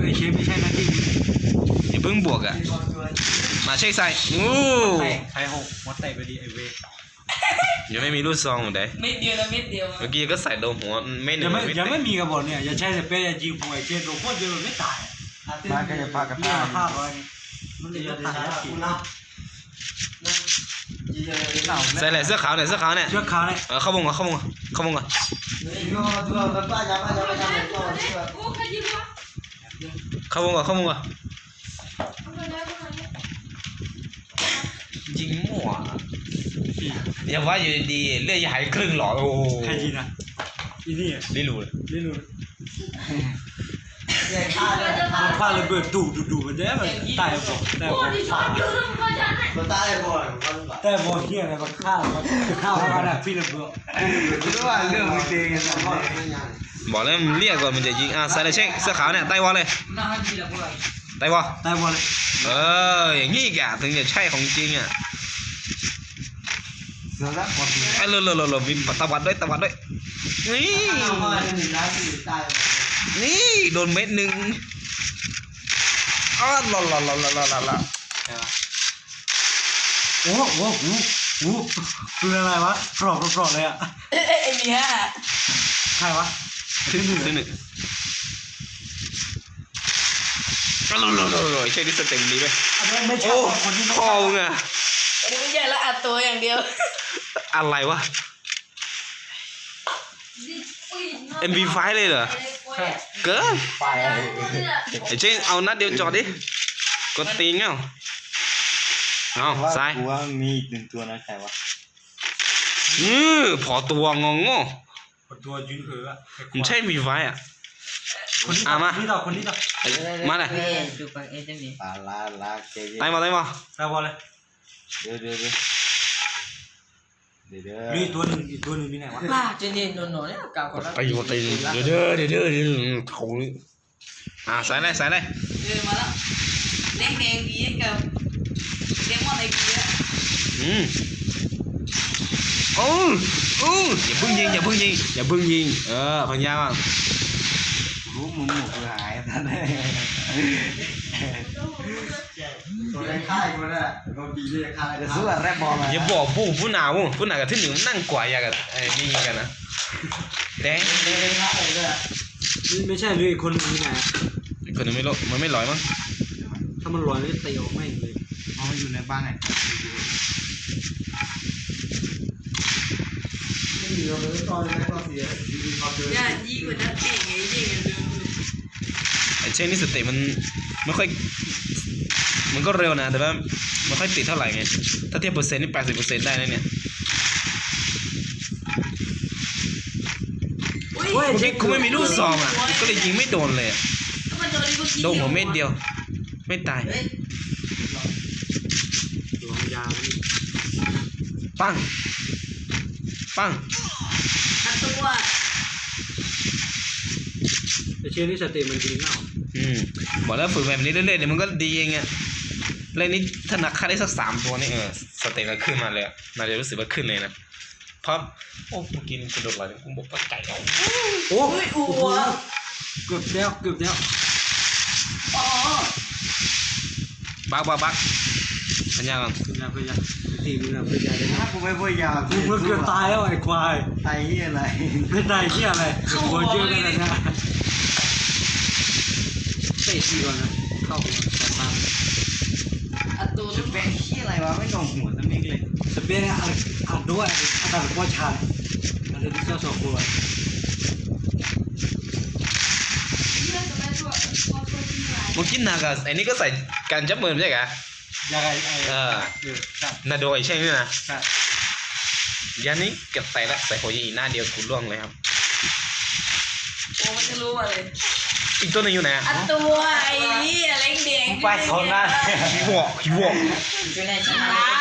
ไอเชฟไม่ใช่หน้าที่อย่าเพิ่งบวกอ่ะมาเช็คใส่โอ้ใช้หกมดเตะไปดีไอเวยังไม่มีลูกซองเหมือนเดิมไม่เดียวนะไม่เดียวเมื่อกี้ก็ใส่โดนหัวไม่หนึ่งยังไม่มีกระบอกเนี่ยอย่าใช้สเปรย์ยิงผมไอเชฟโดนโคตรเยอะไม่ตายมาแค่จะพากระตายภาพไว้มันจะตายใส่ไหนเสื้อขาวเนี่ยเสื้อขาวเนี่ยเข้าวงก่อนเข้าวงก่อนเข้าวงก่อนเข้าวงก่อนเข้าวงก่อนยิงมั่วอย่าว่าอยู่ดีเลือดหายครึ่งหลอดโอ้ใครยิงนะอีนี่ลิลูมันพาระเบิดดูมันได้มันตายบ่แต่บ่เฮียอะไรมันฆ่ามันน่ะพี่ระเบิดรู้ว่าเรื่องมันเองนะบอกแล้วเรียกก่อนมันจะยิงใส่เลยเช็คเสื้อขาวเนี่ยไต้วอลเลยไต้วอลเลยอย่างงี้แกถึงจะใช่ของจริงอ่ะไอ้เร็วมีตะวัดด้วยนี่โดนเม็ดหนึ่งอ้าวหล่อโอ้คืออะไรวะปลอกเลยอ่ะไอ้เนี่ยใครวะขึ้นหนึ่งหล่อใช่ดิสเต็มดีไหมโอ้คอมึงอ่ะอันนี้ไม่ใช่แล้วอัดตัวอย่างเดียวอะไรวะ MV5 เลยเหรอเกินไอ้เช่นเอานัดเดียวจอดดิกดตีงเอาซ้ายกูว่ามีหนึ่งตัวนะใครวะพอตัวงงตัวยืนมันใช่ MV5 อ่ะมาคนนี้ต่อมาเลยไต่บอลเลยเดี๋ยวมีตัวหนึ่งอีกตัวหนึ่งมีไหนวะเจนเย็นนอนเนี่ยกาวคนละไปอยู่ตีเดี๋ยวเขาใส่เลยมาแล้วแดงดีกับเดมอนไอ้ดีอ่ะอย่าเพิ่งยิงพังยาบ้างรู้มึงหมดหายนั่นแหละตัวแรกค่ายมันอะโดนบีเลยค่ายจะสู้อะไรบอลอย่าบอกผู้หนาวกับที่หนึ่งนั่งกว่าอย่างกับไอ้นี่กันนะแดงไม่ใช่เลยคนนี้ไงคนนึงไม่ลอยมันไม่ลอยมั้งถ้ามันลอยก็ตีออกไม่เลยมันอยู่ในบ้านไหนอย่ายิงกว่านั้นเก่งไงยิงกันเลยไอ้เช่นนี่สเตมันไม่ค่อยมันก็เร็วนะแต่ว่าไม่ค่อยติดเท่าไหร่ไงถ้าเทียบเปอร์เซ็นต์นี่80%ได้นะเนี่ยเมื่อกี้กูไม่มีลูกซองอ่ะก็เลยยิงไม่โดนเลยโดนหัวเม็ดเดียวไม่ตายปังตัวแต่เชื่อนี่สเตมันจริงเปล่าบอกแล้วฝึกแบบนี้เรื่อยๆเดี๋ยวมันก็ดีเองอ่ะเล่นนี้ถ้านักฆ่าได้สัก3 ตัวนี่สเตมันขึ้นมาเลยน่าจะรู้สึกว่าขึ้นเลยนะเพราะโอ้กูกินกระโดดไหลกูบอกว่าไก่เอาโอ้เกือบแล้วบักพันยาก่อนตีมึงนะพันยาเลยนะกูไม่พันยากูเกือบตายแล้วไอ้ควายตายที่อะไรไม่ตายที่อะไรหัวเยอะกันนะเตะทีก่อนนะเข้าหัวตามอัดตัวสเปนที่อะไรวะไม่โดนหัวสมิกเลยสเปนอัดด้วยอัดแบบว่าชาอันนี้เจ้าสองตัวมึงกินหนักอ่ะไอ้นี่ก็ใส่การจับมือไม่ใช่เหรอยังไงนาโดยใช่ไหมนะยันนี้เก็บใส่ละใส่หัวยีหน้าเดียวกูล่วงเลยครับโอ้มันจะรู้อะไรอีกตัวนึงอยู่ไหนอัดตัวไอ้นี่อะไรแดงไปโซนนั้นขี้วอกอยู่ในชั้น